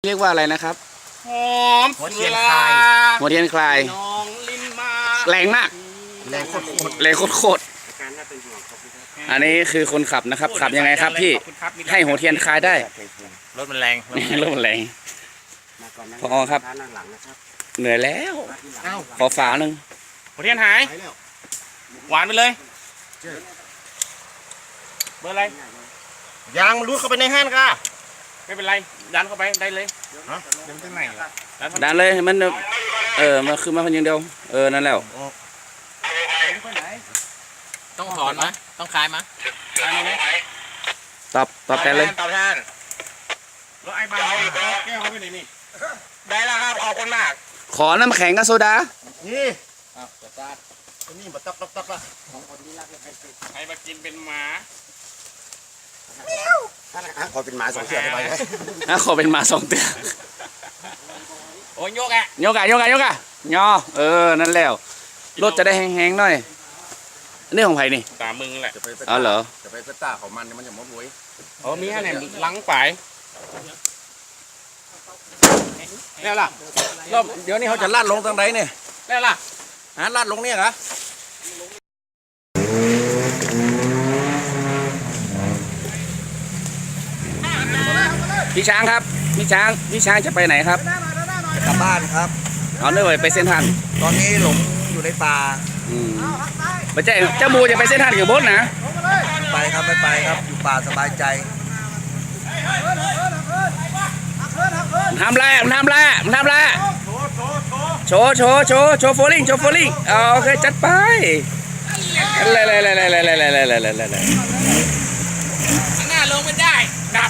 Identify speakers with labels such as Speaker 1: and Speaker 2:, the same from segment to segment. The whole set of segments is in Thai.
Speaker 1: เรียกว่าอะไรนะครับ
Speaker 2: หอม
Speaker 3: หัวเทียนคลาย
Speaker 1: หัวเทียนคลาย
Speaker 2: น้องลิ้นมา
Speaker 1: แรงมาก
Speaker 3: แรงโคตร
Speaker 1: แรงโคตรอันนี้คือคนขับนะครับขับยังไงครับพี่ให้หัวเทียนคลายได้
Speaker 3: รถมันแรง
Speaker 1: รถมันแรงพอครับเหนื่อยแล้วขอฝาหนึ่ง
Speaker 2: หัวเทียนหายหวานไปเลยเบอร์อะไร
Speaker 3: ยางมันรูดเข้าไปในห้างค่ะ
Speaker 2: ไม่เป็นไรดันเข้าไปได้เลย
Speaker 3: เดี๋ยวมันไหนล่ะ
Speaker 1: ดันเลยมันมันคือมาคนอย่างเดียวนั่นแล้ว
Speaker 2: ต้องถอนไหมต้องคลายไหมคลายไหม
Speaker 1: ตอบแทนเลย
Speaker 3: ตอบแทน
Speaker 2: แล้วไอ้บ้านแก้วเขาไปไหนนี่
Speaker 3: ได้แล้วครับขอบคุณมาก
Speaker 1: ขอน้ำแข็งกับโซดา
Speaker 3: นี่นี่มาตับอ่ะ
Speaker 2: ใครมากินเป็นหมา
Speaker 3: ขอเป็นหมาสองเสือไปไหม
Speaker 1: ขอเป็นหมา2 ตัว
Speaker 2: โอ้ยโยกอ่ะ
Speaker 1: ยกอะยอนั่นแล้วรถจะได้แห้งๆหน่อยอันนี้ของใครนี่
Speaker 2: ตามมึงแหละ
Speaker 1: อ๋อเหรอ
Speaker 3: จะไปตาของมันมันจะมดรวย
Speaker 2: โอ้มีอะไรล้างไปแล้วล่ะ
Speaker 3: รอบเดี๋ยวนี้เขาจะลาดลงทางไหนเนี่ย
Speaker 2: แล้วล่ะ
Speaker 3: ลาดลงเนี่ยเหรอ
Speaker 1: พี่ช้างครับพี่ช้างจะไปไหนครับ
Speaker 3: กลับบ้านครับ
Speaker 1: เอาเนื่อยไปเส้นทัน
Speaker 3: ตอนนี้หลงอยู่ในป่า
Speaker 1: ไม่ใช่เจ้ามูจะไปเส้นทันกับบดนะ
Speaker 3: ไปครับไม่ไปครับอยู่ป่าสบายใจ
Speaker 1: ทำไรโชว์โฟลิ่งโอเคจัดไปเลย
Speaker 2: หน้าลงไม่ได้ดับ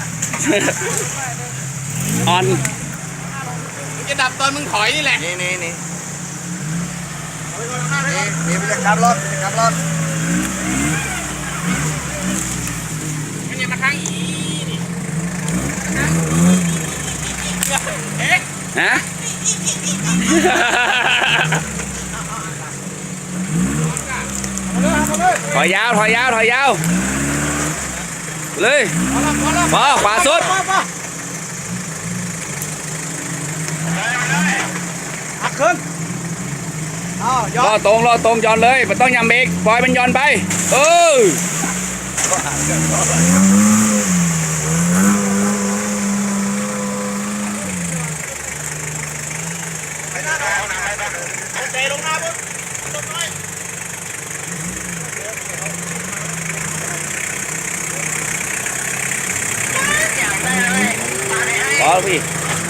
Speaker 1: ออน
Speaker 2: มึงจะดับตอนมึงถอยนี่แหละ
Speaker 3: นี่ไม่ได้ขับรถ
Speaker 2: มันยังมาข้างอีนี่
Speaker 1: ฮะถอยยาวเลยพอขวาสุด
Speaker 3: หักขึ้น
Speaker 1: รอตรงย้อนเลยมันต้องยำเบรกปล่อยมันย้อนไป
Speaker 2: เตะลงหน้าปุ๊บลงน้อย
Speaker 1: พอพี่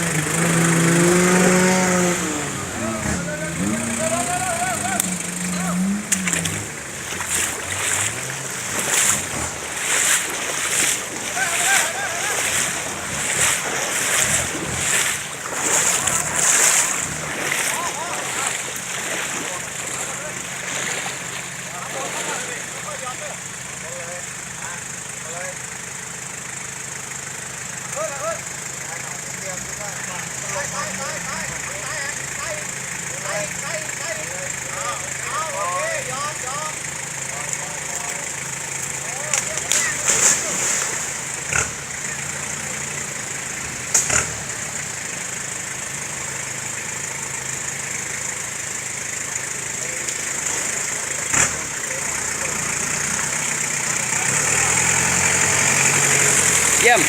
Speaker 1: เยี่ยม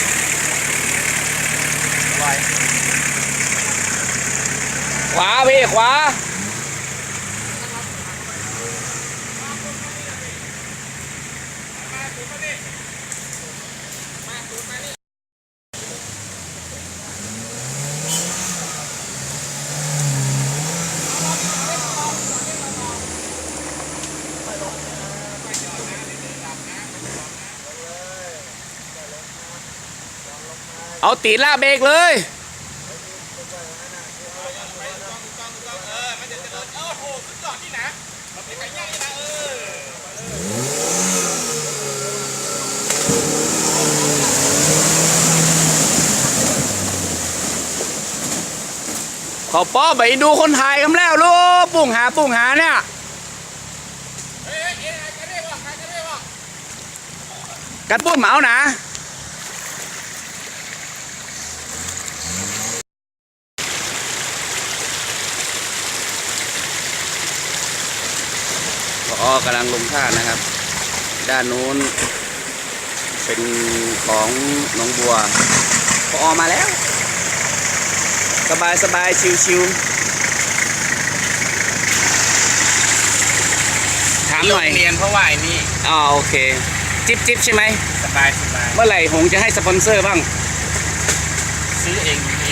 Speaker 1: ขวาพี่ขวาเอาตีล่าเบรกเลยขอป้อไปดูคนถ่ายกันแล้วลูกปุ่งหาเนี่ยกัดปุ้นเหมานะอ๋อกำลังลงท่านะครับ ด้านนู้นเป็นของหนองบัวพอมาแล้ว สบายสบายชิวๆถามหน่อย
Speaker 2: เรียนเพราะว่าไอ้นี่
Speaker 1: อ๋อโอเค จิบจิบใช่ไหม
Speaker 2: สบาย
Speaker 1: เมื่อไหร่หงจะให้สปอนเซอร์บ้าง
Speaker 2: ซื้อเอง